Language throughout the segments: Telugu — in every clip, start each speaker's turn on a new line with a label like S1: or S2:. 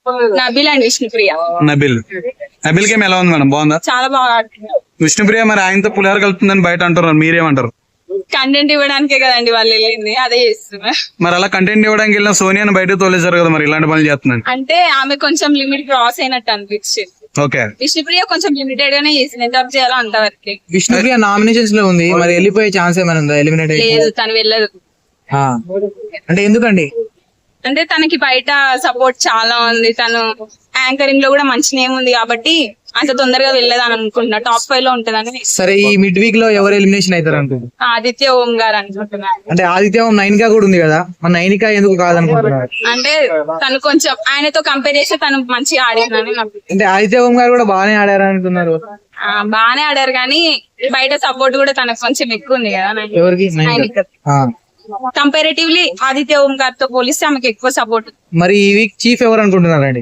S1: నబిల్ అండ్ విష్ణుప్రియ.
S2: నబిల్ గేమ్ ఎలా ఉంది మేడం? బాగుందా?
S1: చాలా బాగా ఆడుతున్నారు.
S2: విష్ణుప్రియ మరి ఆయనతో పులిహోర కలుపుతుందని బయట అంటారు, మీరేమంటారు?
S1: కంటెంట్ ఇవ్వడానికే కదండి వాళ్ళు వెళ్ళింది, అదే చేస్తున్నారు.
S2: మరి అలా కంటెంట్ ఇవ్వడానికి వెళ్ళిన సోనియాని బయట తోలేశారు కదా, మరి ఇలాంటి పనులు చేస్తున్నాను
S1: అంటే ఆమె కొంచెం లిమిట్ క్రాస్ అయినట్టు అనిపించింది.
S2: ఓకే,
S1: విష్ణుప్రియ కొంచెం లిమిటెడ్ గానే చేసింది, ఎంత చేయాలో అంతవరకు.
S3: విష్ణుప్రియ నామినేషన్స్ లో ఉంది, మరి వెళ్ళిపోయే ఛాన్స్ ఏమైనా ఉందా? ఎలిమినేట్
S1: లేదు, తను వెళ్ళదు.
S3: అంటే ఎందుకండి?
S1: అంటే తనకి బయట సపోర్ట్ చాలా ఉంది, తను యాంకరింగ్ లో కూడా మంచి నేమ్ ఉంది కాబట్టి అంత తొందరగా వెళ్ళదని అనుకుంటున్నా. టాప్ 5 లో ఉంటదని.
S3: సరే, ఈ మిడ్ వీక్ లో ఎవరు ఎలిమినేషన్ అవుతారు అనుకుంటున్నారు?
S1: ఆదిత్య ఓం గారు అనుకుంటున్నారు.
S3: అంటే ఆదిత్య ఓం నైనికా కూడా ఉంది కదా, మన నైనికా ఎందుకు కాదనుకుంటున్నారు?
S1: అంటే తను కొంచెం ఆయనతో కంపేర్ చేస్తే తను మంచిగా ఆడిందని నాకు.
S3: అంటే ఆదిత్య ఓం గారు కూడా బాగానే ఆడారు అనుకున్నారు.
S1: బాగానే ఆడారు కానీ బయట సపోర్ట్ కూడా తనకు కొంచెం ఎక్కువ ఉంది కదా.
S3: ఎవరికి?
S1: కంపారేటివ్లీ ఆదిత్య ఓం గారితో పోలిస్తే ఆమెకు ఎక్కువ సపోర్ట్.
S3: మరి ఈ వీక్ చీఫ్ ఎవరు అనుకుంటున్నారండి?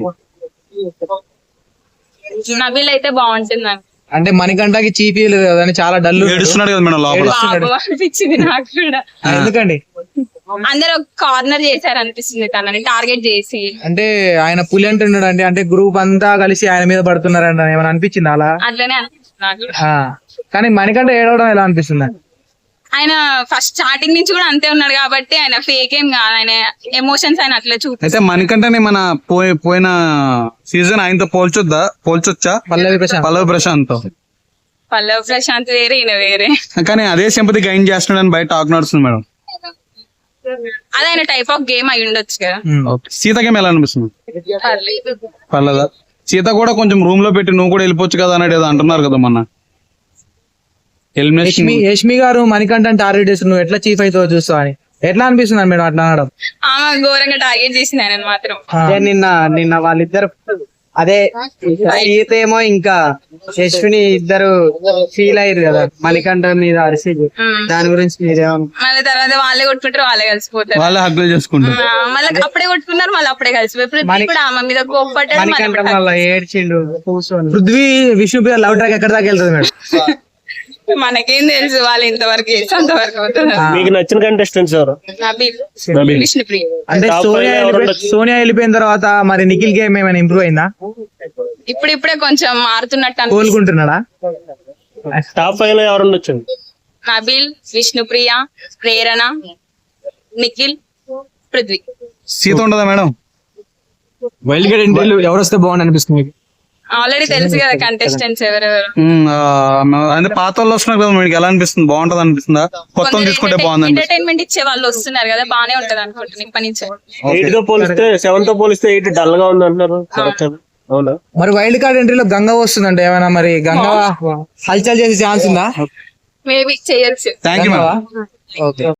S1: నబిల్ అయితే బాగుంటుంది.
S3: అంటే మణికంఠకి చీఫ్ లేదు కదా అని చాలా డల్
S2: ఏడుస్తున్నాడు కదా మేడం లోపల.
S1: అనిపించింది నాకు కూడా.
S3: ఎందుకండి?
S1: అందరూ కార్నర్ చేశారు అనిపిస్తుంది తనని టార్గెట్ చేసి.
S3: అంటే ఆయన పులి అంటున్నాడు అండి, అంటే గ్రూప్ అంతా కలిసి ఆయన మీద పడుతున్నారంట, ఏమైనా అనిపించింది అలా?
S1: అట్లనే అనిపిస్తుంది నాకు.
S3: కానీ మణికంఠ ఏడవడం ఎలా అనిపిస్తుంది?
S1: ఆయన ఫస్ట్ స్టార్టింగ్ నుంచి కూడా అంతే ఉన్నాడు కాబట్టి ఆయన ఫేక్ ఏం కాదు, ఆయన ఎమోషన్స్ ఆయన అట్లా చూపి.
S2: అయితే మణికంఠని మన పోయిన సీజన్ ఆయనతో పోల్చొచ్చా? పల్లవి
S1: ప్రశాంత్ వేరే, ఈయన వేరే.
S2: కానీ అదే సింపతి గైన్ చేస్తున్నాడు అని బయట టాక్ నడుస్తుంది మేడం.
S1: అదే ఆయన టైప్ ఆఫ్ గేమ్ అయి ఉండొచ్చు కదా.
S2: సీత గేమ్ ఎలా అనిపిస్తుంది? పర్లేదా? సీత కూడా కొంచెం రూమ్ లో పెట్టి నువ్వు కూడా వెళ్ళిపోవచ్చు కదా అనేది ఏదో అంటున్నారు కదా మొన్న.
S3: యష్మి గారు మణికంఠ టార్గెట్ చేసి నువ్వు ఎట్లా చీఫ్ అవుతావో చూస్తావు అని ఎట్లా అనిపిస్తుంది మేడం అట్లా అనడం?
S1: ఆమె ఘోరంగా టార్గెట్ చేసింది ఆయన మాత్రం.
S4: నిన్న వాళ్ళిద్దరు అదే సీత ఏమో ఇంకా యశ్విని ఇద్దరు ఫీల్ అయ్యారు కదా మణికంఠ మీద అరిసి. దాని గురించి మీరేమో
S1: మళ్ళీ తర్వాత వాళ్ళే కొట్టుకుంటారు, వాళ్ళే కలిసిపోతారు,
S2: వాళ్ళే హక్కులు చేసుకుంటారు.
S1: మళ్ళీ అప్పుడే కొట్టుకున్నారు, మళ్ళీ అప్పుడే కలిసిపోయి ఆమె మీద కోప్పడ్డారు.
S4: మణికంఠ మళ్ళీ ఏడ్చిండు కూర్చొని.
S3: పృథ్వీ విష్ణుప్రియ లవ్ ట్రాక్ ఎక్కడ దాకా వెళ్తుంది మేడం?
S1: మనకేం తెలుసు, వాళ్ళు ఇంతవరకు అంతవరకు అవుతుంది.
S5: మీకు నచ్చిన కంటెస్టెంట్స్ ఎవరు?
S1: నబిల్, విష్ణుప్రియ.
S3: అంటే సోనియా వెళ్ళిపోయిన తర్వాత మరి నిఖిల్ గేమ్ ఏమైనా ఇంప్రూవ్ అయిందా?
S1: ఇప్పుడిప్పుడే కొంచెం మారుతున్నట్టు
S3: కోలుకుంటున్నాడా?
S5: టాప్ 5 లో ఎవరు ఉండొచ్చు?
S1: నబిల్, విష్ణుప్రియ, ప్రేరణ, నిఖిల్, పృథ్వీ.
S2: సీత ఉండదా మేడం?
S3: వైల్డ్ కార్డ్ ఎంట్రీలు ఎవరు వస్తే బాగుంది అనిపిస్తుంది మీకు?
S1: ఆల్రెడీ తెలుసు కదా కంటెస్టెంట్స్ ఎవరెవరు.
S2: అంటే పాత వాళ్ళు వస్తున్నారు కదా, మీకు ఎలా అనిపిస్తుంది? బాగుంటది అనిపిస్తుందా? కొత్త తీసుకుంటే బాగుంది.
S1: ఎంటర్టైన్మెంట్ ఇచ్చే వాళ్ళు వస్తున్నారు కదా, బానే ఉంటది అనుకుంటున్నాను ఇప్పటి నుంచి.
S5: 8 తో పోలిస్తే 7 తో పోలిస్తే 8 డల్ గా ఉంది అంటున్నారు. అవునా?
S3: మరి వైల్డ్ కార్డ్ ఎంట్రీలో గంగా వస్తుందంటే ఏమైనా మరి గంగా హల్చల్ చేసే ఛాన్స్ ఉందా?
S1: మేబీ చేయొచ్చు.
S2: Thank you madam.
S3: ఓకే.